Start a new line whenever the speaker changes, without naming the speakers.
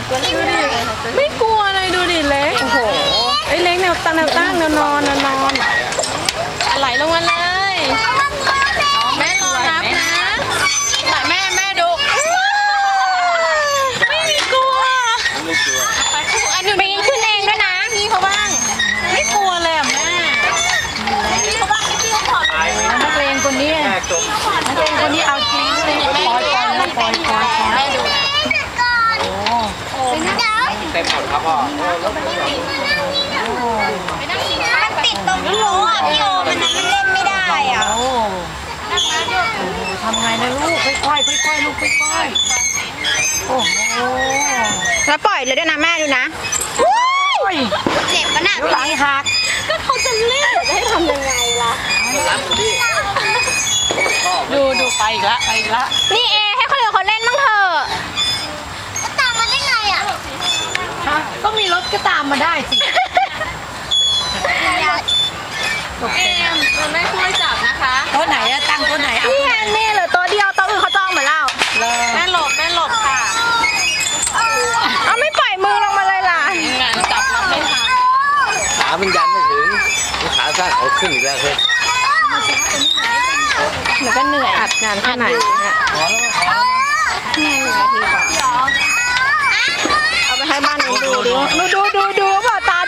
ไม่กลัวเลยดูดิเล็กโอ้โหไอ้เล็กแนวตั้งแนวนอนไหลลงมาเลยแม่รอรับนะแม่ดูไม่มีกลัวอันนี้ปีนขึ้นเองด้วยนะพี่เขาบ้างไม่กลัวเลยอ่ะแม่เขาบ้างพี่เขาขอนักเลงคนนี้เอาจริงเลยปล่อยแม่ดู
เต็มหมดครับพ่อ
มันติดตรงรั้วอ่ะพี่โอมันเล่นไม่ได้อ่ะ
ทำไงนะลูกค่อยๆลูกค่อยๆโอ้โห
แล้วปล่อยเลยด้วยนะแม่ดูนะเจ็บปะน่ะ
หลังหัก
ก็เขาจะเล่นจะให้ทำยังไงล่ะ
ดูไปอีกละ
นี่เอให้คนอื่นเขาเล่นบ้างเถอะตามมาได้ไงอ่ะ
ก็มีรถก็ตามมาได้สิมันไม่ช่วยจับนะคะโต๊ะไหนอะตั้งโต๊ะไหนเอา
นี่ไงนี่เหลือตัวเดียวตัวอื่นเขาจองหมดแล้ว
แม่หลบค่ะ
เอาไม่ปล่อยมือลงมาเลยล่ะ
งานจับรับไม่ทัน
ขามันยันไม่ถึงขาสั้นเอาขึ้นอีกแล้วเฮ้ย
หนูก็เหนื่อยอัดงานแค่ไหนเนี่ยเอาไปให้บ้านหนูดูดิดูเปล่าตา